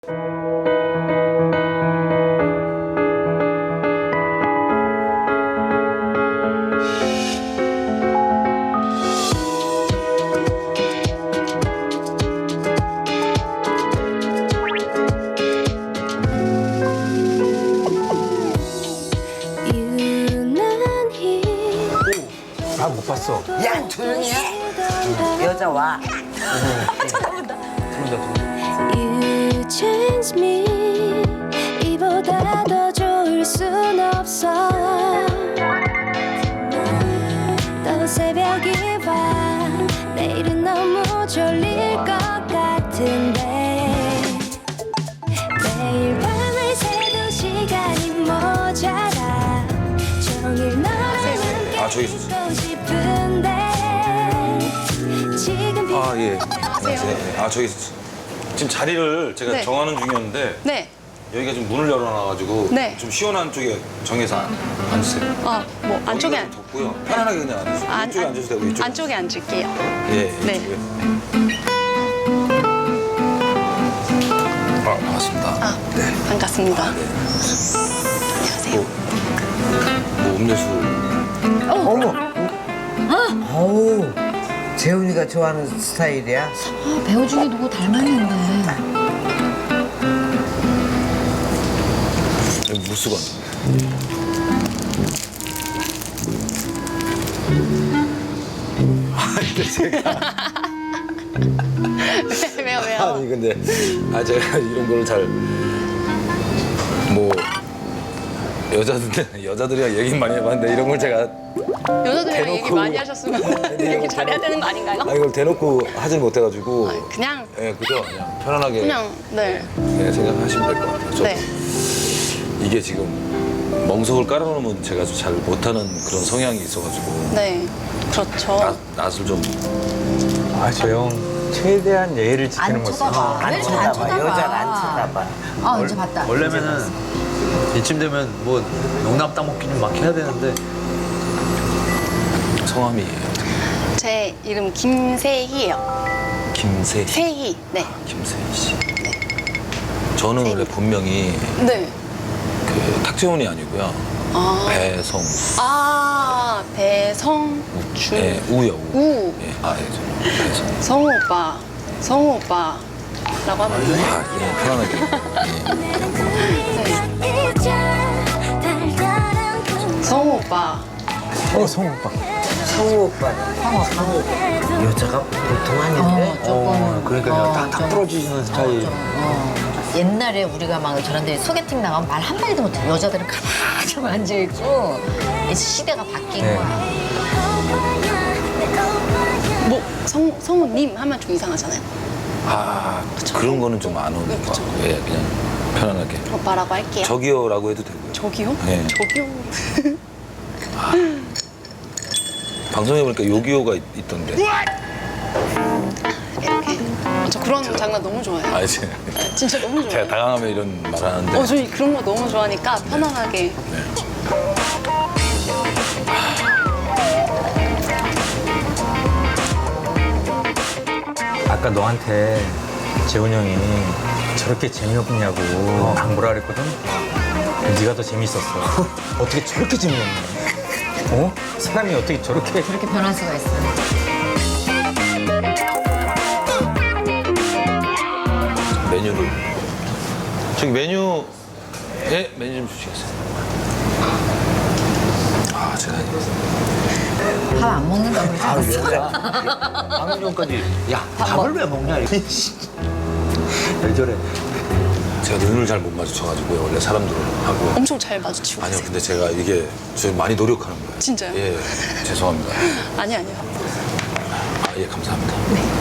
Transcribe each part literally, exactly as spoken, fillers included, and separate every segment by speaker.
Speaker 1: 아, 못 봤어.
Speaker 2: 야, 조용히 해. 여자 와.
Speaker 1: 들어온다, 들어온다.
Speaker 3: You change me 이보다 더 좋을 순 없어 또 새벽이 와 내일은 너무 졸릴 것 같은데 매일 밤을 새도 시간이 모자라 종일 너랑 함께
Speaker 4: 아, 저기
Speaker 3: 있고 싶은데 지금
Speaker 4: 아, 예. 안녕하세요. 아, 저기 지금 자리를 제가
Speaker 5: 네.
Speaker 4: 정하는 중이었는데
Speaker 5: 네.
Speaker 4: 여기가 좀 문을 열어놔가지고
Speaker 5: 네.
Speaker 4: 좀 시원한 쪽에 정해서 앉- 앉으세요.
Speaker 5: 어, 뭐 안쪽에
Speaker 4: 여기가 좀 덥고요. 편안하게 그냥 앉으세요.
Speaker 5: 안-
Speaker 4: 이쪽에 앉으셔도 되고 이쪽에.
Speaker 5: 안쪽에 앉을게요.
Speaker 4: 예, 예,
Speaker 5: 네.
Speaker 4: 이쪽에. 아, 반갑습니다.
Speaker 5: 아,
Speaker 4: 네.
Speaker 5: 반갑습니다.
Speaker 4: 네.
Speaker 5: 안녕하세요.
Speaker 4: 뭐 음료수.
Speaker 2: 어머. 어우, 재훈이가 좋아하는 스타일이야.
Speaker 6: 아, 배우 중에 누구 닮았는데.
Speaker 4: 여기 무수건. 아, 근데 제가.
Speaker 5: 왜, 왜요, 왜요?
Speaker 4: 아니, 근데. 아, 제가 이런 거를 잘. 뭐. 여자들, 여자들이랑 얘기 많이 해봤는데 이런 걸 제가.
Speaker 5: 여자들이랑 얘기
Speaker 4: 대놓고-
Speaker 5: 많이 하셨으면 얘기 잘해야 되는 거 아닌가요?
Speaker 4: 아, 이걸 대놓고 하질 못해가지고.
Speaker 5: 아, 그냥,
Speaker 4: 예, 그죠? 그냥 편안하게.
Speaker 5: 그냥, 네.
Speaker 4: 예, 생각하시면 될 것 같아요. 저도.
Speaker 5: 네.
Speaker 4: 이게 지금 멍석을 깔아놓으면 제가 좀 잘 못하는 그런 성향이 있어가지고.
Speaker 5: 네. 그렇죠.
Speaker 4: 낯, 낯을 좀.
Speaker 1: 아, 저 형 최대한 예의를 지키는
Speaker 6: 안
Speaker 1: 모습.
Speaker 6: 쳐다봐.
Speaker 2: 안
Speaker 6: 왜 안
Speaker 2: 쳐다봐.
Speaker 6: 쳐다봐?
Speaker 2: 여자를 안 쳐다봐.
Speaker 6: 아, 이제 봤다.
Speaker 7: 원래면은 이쯤 되면 뭐 농담 따먹기는 막 해야 되는데
Speaker 4: 성함이
Speaker 5: 제 이름 김세희예요.
Speaker 4: 김세희.
Speaker 5: 세희. 네.
Speaker 4: 김세희 씨. 저는 원래 본명이
Speaker 5: 네.
Speaker 4: 그 탁재훈이 아니고요.
Speaker 5: 아.
Speaker 4: 배성.
Speaker 5: 아, 배성. 주.
Speaker 4: 예, 우요. 우.
Speaker 5: 우.
Speaker 4: 예, 아, 예, 저 배성.
Speaker 5: 성우 오빠. 성우 오빠. 라고 하면 돼요.
Speaker 4: 아, 예, 편안하게.
Speaker 5: 성우 오빠.
Speaker 1: 어, 성우 오빠.
Speaker 2: 성우 오빠는. 성우 오빠. 여자가 보통 아닌데?
Speaker 6: 어, 조금.
Speaker 7: 어, 그러니까
Speaker 6: 어,
Speaker 7: 딱, 딱
Speaker 6: 좀,
Speaker 7: 부러지는 스타일.
Speaker 6: 어. 옛날에 우리가 막 저런데 소개팅 나가면 말 한마디도 못해. 여자들은 가만히 좀 앉아있고. 이제 시대가 바뀐
Speaker 1: 네.
Speaker 6: 거야.
Speaker 5: 뭐, 성, 성우님 하면 좀 이상하잖아요.
Speaker 4: 아, 그런 거는 좀 안 오는 것 같고. 예, 그냥 편안하게.
Speaker 5: 오빠라고 할게요.
Speaker 4: 저기요라고 해도 되고요.
Speaker 5: 저기요?
Speaker 4: 네.
Speaker 5: 저기요?
Speaker 4: 방송에 보니까 요기요가 있- 있던데.
Speaker 5: 이렇게. 저 그런 장난 너무 좋아해요.
Speaker 4: 아, 이제
Speaker 5: 진짜 너무
Speaker 4: 제가
Speaker 5: 좋아해요.
Speaker 4: 당황하면 이런 말 하는데.
Speaker 5: 어, 저희 그런 거 너무 좋아하니까 편안하게.
Speaker 1: 아까 너한테 재훈 형이 저렇게 재미없냐고 막 뭐라 그랬거든? 네가 더 재밌었어. 어떻게 저렇게 재미없냐? 어? 사람이 어떻게 저렇게.
Speaker 6: 그렇게 변할 수가 있어.
Speaker 4: 메뉴를. 저기 메뉴, 예, 메뉴 좀 주시겠어요? 아, 제가.
Speaker 6: 밥 안 먹는다고 그러지
Speaker 7: 아,
Speaker 6: 않았어?
Speaker 7: 여자. 방금 전까지 야 밥을 왜 먹냐 이거. 왜 저래?
Speaker 4: 제가 눈을 잘 못 마주쳐가지고요, 원래 사람들하고.
Speaker 5: 엄청 잘 마주치고
Speaker 4: 아니요,
Speaker 5: 계세요.
Speaker 4: 근데 제가 이게 저 많이 노력하는 거예요.
Speaker 5: 진짜요?
Speaker 4: 예, 죄송합니다.
Speaker 5: 아니, 아니요.
Speaker 4: 아, 예, 감사합니다.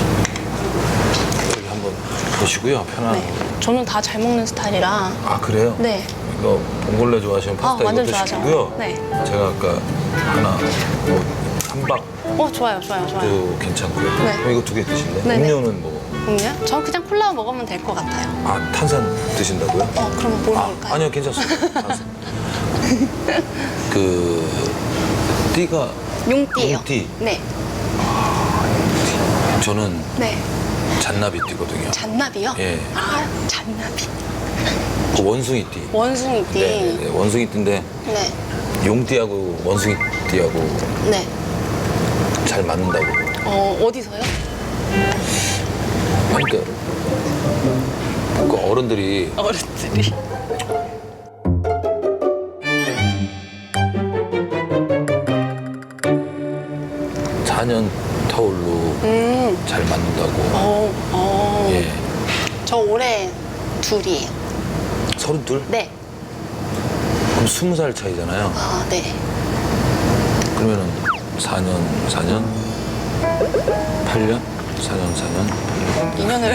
Speaker 4: 여기 한번 보시고요, 편안하게.
Speaker 5: 네. 저는 다 잘 먹는 스타일이라.
Speaker 4: 아, 그래요?
Speaker 5: 네.
Speaker 4: 이거 봉골레 좋아하시면 파스타
Speaker 5: 아, 완전
Speaker 4: 이것도
Speaker 5: 좋아하죠.
Speaker 4: 시키고요.
Speaker 5: 네.
Speaker 4: 제가 아까 하나, 뭐, 한박도
Speaker 5: 어, 좋아요, 좋아요, 좋아요.
Speaker 4: 괜찮고요.
Speaker 5: 네.
Speaker 4: 그럼 이거 두 개 드실래요?
Speaker 5: 네네.
Speaker 4: 음료는 뭐?
Speaker 5: 음료? 저 그냥 콜라 먹으면 될 것 같아요.
Speaker 4: 아, 탄산 드신다고요?
Speaker 5: 어, 그럼 뭘
Speaker 4: 아,
Speaker 5: 먹을까요?
Speaker 4: 아니요, 괜찮습니다. 탄산. 그, 띠가
Speaker 5: 용띠예요.
Speaker 4: 용띠.
Speaker 5: 네.
Speaker 4: 저는
Speaker 5: 네.
Speaker 4: 잔나비띠거든요.
Speaker 5: 잔나비요?
Speaker 4: 예.
Speaker 5: 아, 잔나비.
Speaker 4: 그 원숭이띠.
Speaker 5: 원숭이띠.
Speaker 4: 네, 네, 원숭이띠인데
Speaker 5: 네.
Speaker 4: 용띠하고 원숭이띠하고
Speaker 5: 네.
Speaker 4: 잘 맞는다고.
Speaker 5: 어, 어디서요?
Speaker 4: 그러니까 그 어른들이
Speaker 5: 어른들이.
Speaker 4: 사 년 터울로
Speaker 5: 음.
Speaker 4: 잘 맞는다고.
Speaker 5: 어, 어.
Speaker 4: 예.
Speaker 5: 저 올해 둘이에요.
Speaker 4: 서른둘?
Speaker 5: 네.
Speaker 4: 그럼 스무 살 차이잖아요.
Speaker 5: 아, 네.
Speaker 4: 그러면은 사 년, 사 년, 팔 년, 사 년, 사 년, 팔 년.
Speaker 5: 인연을.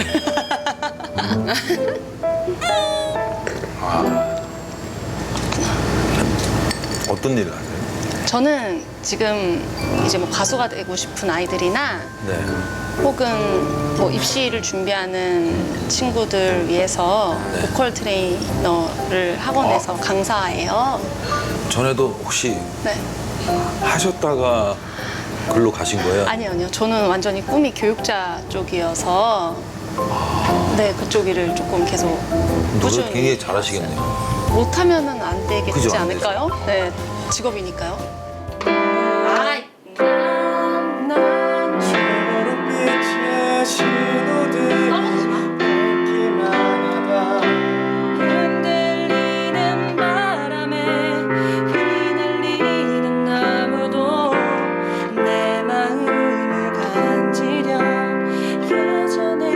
Speaker 4: 어떤 일을 하세요?
Speaker 5: 저는 지금 이제 뭐 가수가 되고 싶은 아이들이나
Speaker 4: 네.
Speaker 5: 혹은 뭐 입시를 준비하는 친구들 위해서
Speaker 4: 네.
Speaker 5: 보컬 트레이너를 학원에서 강사예요.
Speaker 4: 전에도 혹시
Speaker 5: 네.
Speaker 4: 하셨다가 글로 가신 거예요?
Speaker 5: 아니요, 아니요. 저는 완전히 꿈이 교육자 쪽이어서 네, 그쪽 일을 조금 계속
Speaker 4: 노래
Speaker 5: 꾸준히
Speaker 4: 굉장히 잘하시겠네요.
Speaker 5: 못하면은 안 되겠지
Speaker 4: 그죠, 안
Speaker 5: 않을까요? 네, 직업이니까요. 아,
Speaker 7: 초록빛의 신호등 밝기만 하다
Speaker 3: 흔들리는 바람에 휘날리는 나무도 내 마음을 간지려 예전의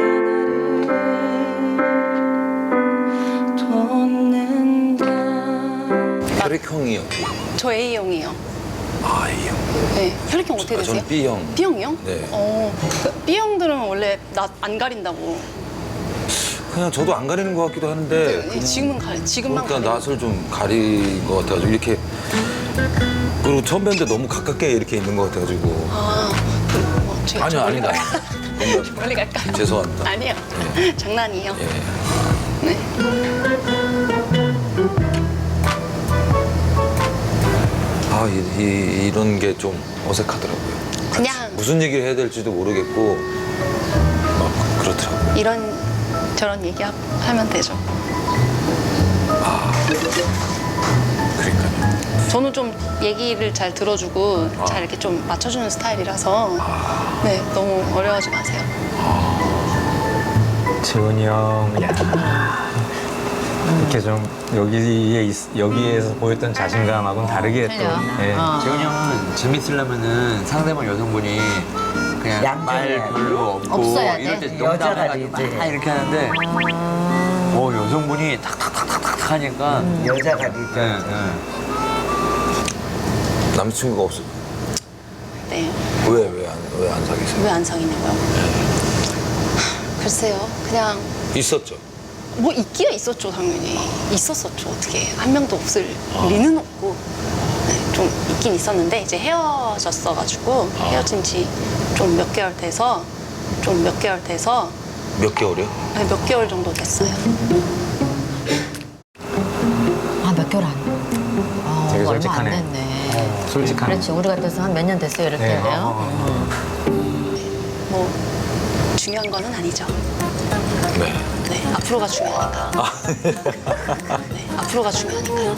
Speaker 3: 나를 돋는다.
Speaker 4: 혈액형이 어떻게?
Speaker 5: 저 A형이에요.
Speaker 4: 아, A형.
Speaker 5: 네, 혈액형 어떻게
Speaker 4: 아,
Speaker 5: 되세요?
Speaker 4: 저는 B형.
Speaker 5: B형이요?
Speaker 4: 네.
Speaker 5: 어, 그 B형들은 원래 나 안 가린다고.
Speaker 4: 그냥 저도 안 가리는 것 같기도 하는데.
Speaker 5: 네, 지금은 가리, 지금만
Speaker 4: 그러니까
Speaker 5: 가리는.
Speaker 4: 낯을 좀 가린 것 같아가지고 이렇게. 그리고 처음 뵀는데 너무 가깝게 이렇게 있는 것 같아가지고.
Speaker 5: 아, 그, 뭐, 제가
Speaker 4: 아니요,
Speaker 5: 좀 멀리
Speaker 4: 아니다.
Speaker 5: 갈까요?
Speaker 4: 너무
Speaker 5: 멀리 갈까요?
Speaker 4: 죄송합니다.
Speaker 5: 아니요. 장난이에요.
Speaker 4: 예.
Speaker 5: 네.
Speaker 4: 아, 이, 이, 이런 게 좀 어색하더라고요.
Speaker 5: 그냥
Speaker 4: 무슨 얘기를 해야 될지도 모르겠고 막 그렇더라고요.
Speaker 5: 이런 저런 얘기 하- 하면 되죠.
Speaker 4: 그러니까요.
Speaker 5: 저는 좀 얘기를 잘 들어주고
Speaker 4: 아.
Speaker 5: 잘 이렇게 좀 맞춰주는 스타일이라서 네, 너무 어려워하지 마세요.
Speaker 1: 재훈이 형, 야 이렇게 좀 여기에 있- 여기에서 보였던 자신감하고는 다르게 또.
Speaker 6: 틀려.
Speaker 1: 예.
Speaker 6: 어.
Speaker 7: 재훈이 형은 재밌으려면은 상대방 여성분이 그냥 말
Speaker 2: 얌전해야
Speaker 7: 별로 없고
Speaker 6: 없어야 돼?
Speaker 7: 이럴 때
Speaker 2: 여자가
Speaker 7: 농담해가지고
Speaker 2: 되지.
Speaker 7: 막 이렇게 하는데 어 여성분이 탁탁탁탁탁 하니까
Speaker 2: 여자가
Speaker 7: 네,
Speaker 2: 되죠.
Speaker 7: 네.
Speaker 4: 남자친구가 없어.
Speaker 5: 네.
Speaker 4: 왜 왜 안 왜 안 사귀세요?
Speaker 5: 왜 안 사귀냐고요? 글쎄요. 그냥
Speaker 4: 있었죠.
Speaker 5: 뭐 있기가 있었죠, 당연히. 있었었죠. 어떻게 한 명도 없을 리는 없고 네, 좀 있긴 있었는데 이제 헤어졌어가지고 헤어진 지 좀 몇 개월 돼서 좀 몇 개월 돼서
Speaker 4: 몇 개월이요?
Speaker 5: 네, 몇 개월 정도 됐어요.
Speaker 6: 아, 몇 개월 안. 어,
Speaker 1: 되게
Speaker 6: 얼마 안
Speaker 1: 솔직하네.
Speaker 6: 됐네.
Speaker 1: 솔직한.
Speaker 6: 그렇지, 우리 같아서 한 몇 년 됐어요, 이럴
Speaker 1: 네.
Speaker 6: 텐데요.
Speaker 5: 뭐 중요한 거는 아니죠.
Speaker 4: 네.
Speaker 5: 네, 앞으로가 중요하니까. 네, 앞으로가 중요하니까요.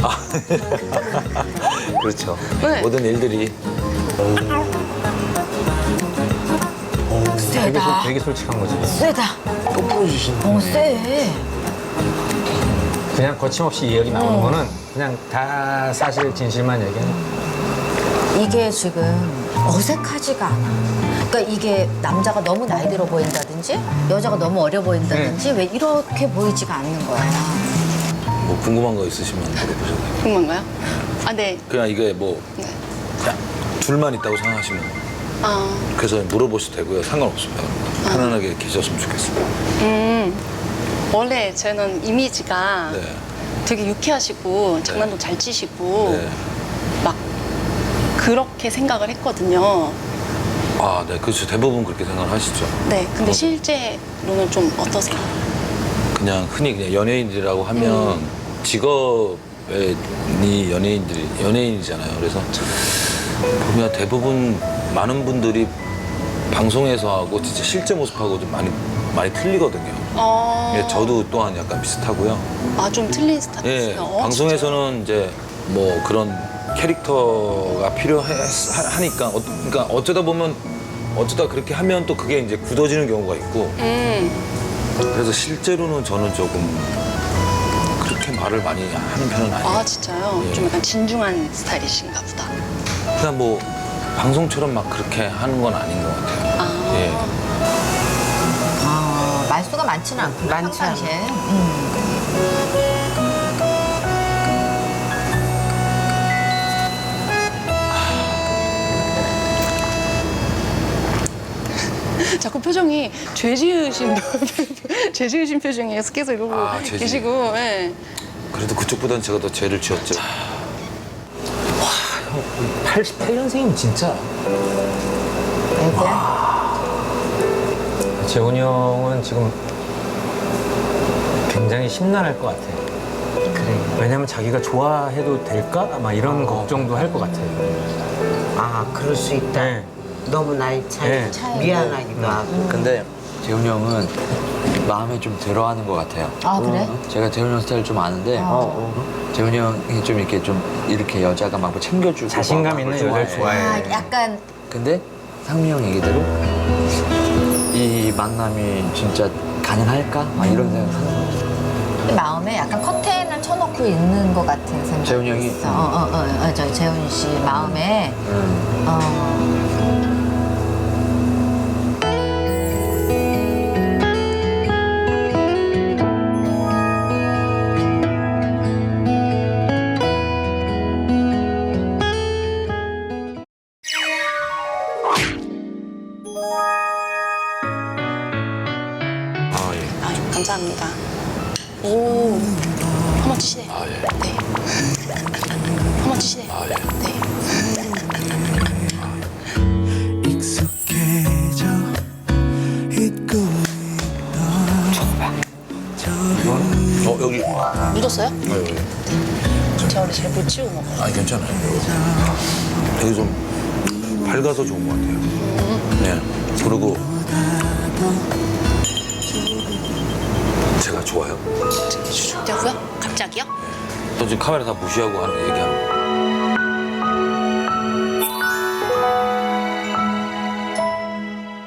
Speaker 4: 그렇죠.
Speaker 5: 네.
Speaker 4: 모든 일들이
Speaker 1: 되게, 솔-
Speaker 6: 세다.
Speaker 1: 되게 솔직한 거지.
Speaker 6: 세다.
Speaker 7: 또 풀어주시는
Speaker 6: 어, 세.
Speaker 1: 그냥 거침없이 이야기 나오는
Speaker 6: 어.
Speaker 1: 거는 그냥 다 사실 진실만 얘기하는.
Speaker 6: 이게 지금 어색하지가 않아. 그러니까 이게 남자가 너무 나이 들어 보인다든지 여자가 너무 어려 보인다든지 왜 이렇게 보이지가 않는 거야.
Speaker 4: 뭐 궁금한 거 있으시면 물어보셔도 돼요.
Speaker 5: 궁금한가요? 아, 네.
Speaker 4: 그냥 이게 뭐
Speaker 5: 네.
Speaker 4: 그냥 둘만 있다고 생각하시면
Speaker 5: 아,
Speaker 4: 그래서 물어보셔도 되고요. 상관없습니다. 편안하게 계셨으면 좋겠어요.
Speaker 5: 음. 원래 저는 이미지가
Speaker 4: 네.
Speaker 5: 되게 유쾌하시고 장난도 잘 치시고
Speaker 4: 네.
Speaker 5: 막 그렇게 생각을 했거든요.
Speaker 4: 아, 네. 그렇죠. 대부분 그렇게 생각하시죠.
Speaker 5: 네, 근데 실제로는 좀 어떠세요?
Speaker 4: 그냥 흔히 그냥 연예인이라고 하면 직업이 연예인들이 연예인이잖아요. 그래서 보면 대부분 많은 분들이 방송에서 하고 진짜 실제 모습하고 좀 많이 많이 틀리거든요.
Speaker 5: 어.
Speaker 4: 예, 저도 또한 약간 비슷하고요.
Speaker 5: 아, 좀 틀린 스타일.
Speaker 4: 예,
Speaker 5: 어,
Speaker 4: 방송에서는 이제 뭐 그런 캐릭터가 필요하니까 어, 그러니까 어쩌다 보면 어쩌다 그렇게 하면 또 그게 이제 굳어지는 경우가 있고
Speaker 5: 진짜요? 음.
Speaker 4: 그래서 실제로는 저는 조금 그렇게 말을 많이 하는 편은 아니에요.
Speaker 5: 아, 진짜요?
Speaker 4: 예.
Speaker 5: 좀 약간 진중한 스타일이신가 보다.
Speaker 4: 그냥 뭐 방송처럼 막 그렇게 하는 건 아닌 것 같아요.
Speaker 5: 아.
Speaker 4: 예.
Speaker 6: 아, 말수가 많지는 않구나.
Speaker 2: 많지
Speaker 6: 평상시에. 음.
Speaker 5: 자꾸 표정이 죄 지으신 죄 지으신 표정이에요. 계속 이러고
Speaker 4: 아, 죄 지으-
Speaker 5: 계시고. 예.
Speaker 4: 그래도 그쪽보다는 제가 더 죄를 지었죠.
Speaker 7: 팔십팔 년생이면 진짜.
Speaker 6: 애기야?
Speaker 1: 재훈이 형은 지금 굉장히 심란할 것 같아.
Speaker 2: 그래.
Speaker 1: 왜냐면 자기가 좋아해도 될까? 막 이런 걱정도 할 것 같아.
Speaker 2: 아, 그럴 수 있다.
Speaker 1: 네.
Speaker 2: 너무 나이 차이
Speaker 1: 네.
Speaker 2: 미안하기도 하고.
Speaker 7: 근데 재훈이 형은 마음에 좀 들어하는 것 같아요.
Speaker 6: 아, 그래?
Speaker 7: 제가 재훈이 형 스타일 좀 아는데 재훈이 형이 좀 이렇게 좀 이렇게 여자가 막 챙겨주고
Speaker 1: 자신감
Speaker 7: 막
Speaker 1: 있는
Speaker 7: 그걸
Speaker 1: 여자를 좋아해.
Speaker 6: 아, 약간
Speaker 7: 근데 상미 형 얘기대로 이 만남이 진짜 가능할까? 막 이런 생각 하는 거죠.
Speaker 6: 마음에 약간 커튼을 쳐놓고 있는 것 같은 생각이
Speaker 7: 재훈이 형이?
Speaker 6: 있어. 어, 어, 어, 어, 저 재훈 씨 마음에
Speaker 7: 음.
Speaker 6: 어,
Speaker 4: 아, 예.
Speaker 5: 아, 감사합니다. 오. 한번 치시네.
Speaker 4: 아, 예.
Speaker 5: 네. 한번 치시네.
Speaker 4: 아, 예.
Speaker 5: 네.
Speaker 8: 익숙해져 잊고
Speaker 4: 어, 여기.
Speaker 5: 묻었어요?
Speaker 4: 아, 여기.
Speaker 5: 제가 원래 잘 못 치고 먹어요.
Speaker 4: 아니, 괜찮아요. 되게 좀 밝아서 좋은 것 같아요. 네. 그리고 제가 좋아요.
Speaker 5: 되고요? 갑자기요?
Speaker 4: 또 지금 카메라 다 무시하고 하는 얘기하는 거.